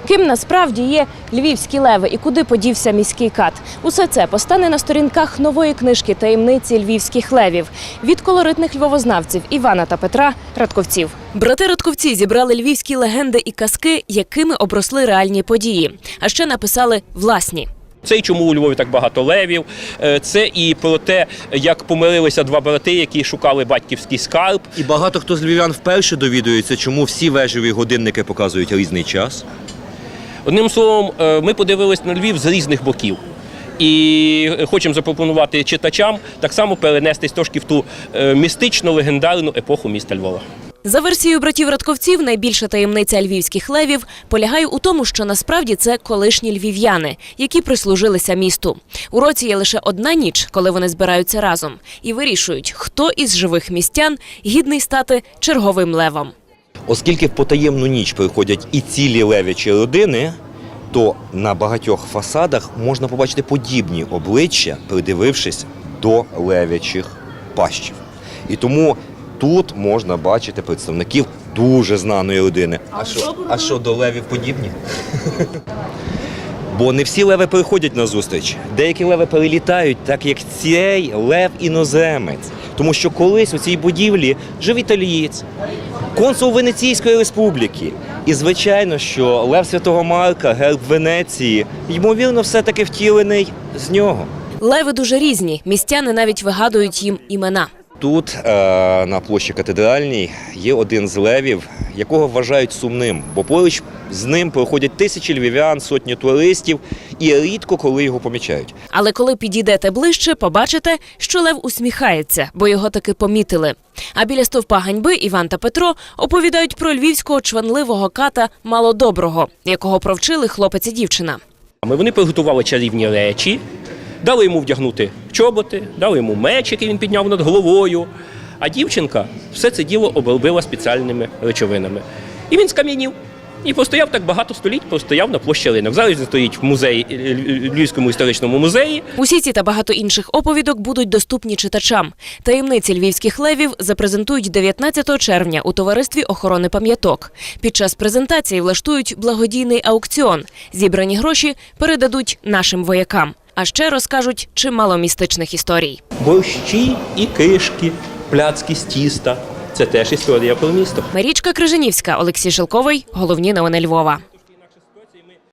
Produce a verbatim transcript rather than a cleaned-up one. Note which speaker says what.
Speaker 1: Ким насправді є львівські леви і куди подівся міський кат? Усе це постане на сторінках нової книжки «Таємниці львівських левів» від колоритних львовознавців Івана та Петра Радковців. Брати Радковці зібрали львівські легенди і казки, якими обросли реальні події. А ще написали власні.
Speaker 2: Це і чому у Львові так багато левів, це і про те, як помирилися два брати, які шукали батьківський скарб.
Speaker 3: І багато хто з львів'ян вперше довідується, чому всі вежеві годинники показують різний час.
Speaker 2: Одним словом, ми подивились на Львів з різних боків. І хочемо запропонувати читачам так само перенестись трошки в ту містично-легендарну епоху міста Львова.
Speaker 1: За версією братів Радковців, найбільша таємниця львівських левів полягає у тому, що насправді це колишні львів'яни, які прислужилися місту. У році є лише одна ніч, коли вони збираються разом і вирішують, хто із живих містян гідний стати черговим левом.
Speaker 3: Оскільки в потаємну ніч приходять і цілі левячі родини, то на багатьох фасадах можна побачити подібні обличчя, придивившись до левячих пащів. І тому тут можна бачити представників дуже знаної родини. А що, а що до левів подібні? Бо не всі леви приходять на зустріч. Деякі леви перелітають, так як цей лев-іноземець. Тому що колись у цій будівлі жив італієць, консул Венеційської республіки. І, звичайно, що лев Святого Марка, герб Венеції, ймовірно, все-таки втілений з нього.
Speaker 1: Леви дуже різні, містяни навіть вигадують їм імена.
Speaker 3: Тут, на площі Катедральній, є один з левів, якого вважають сумним, бо поруч з ним проходять тисячі львів'ян, сотні туристів, і рідко коли його помічають.
Speaker 1: Але коли підійдете ближче, побачите, що лев усміхається, бо його таки помітили. А біля стовпа ганьби Іван та Петро оповідають про львівського чванливого ката Малодоброго, якого провчили хлопець і дівчина.
Speaker 2: Вони приготували чарівні речі, дали йому вдягнути чоботи, дали йому меч, який він підняв над головою, а дівчинка все це діло обробила спеціальними речовинами. І він скам'янів. І постояв так багато століть, постояв на площі Ринок. Зараз він стоїть в музеї, Львівському історичному музеї.
Speaker 1: Усі ці та багато інших оповідок будуть доступні читачам. Таємниці львівських левів запрезентують дев'ятнадцятого червня у Товаристві охорони пам'яток. Під час презентації влаштують благодійний аукціон. Зібрані гроші передадуть нашим воякам. А ще розкажуть чимало містичних історій.
Speaker 2: Борщі і кишки, пляцки з тіста – це теж історія про місто.
Speaker 1: Марічка Крижанівська, Олексій Шелковий. Головні новини Львова.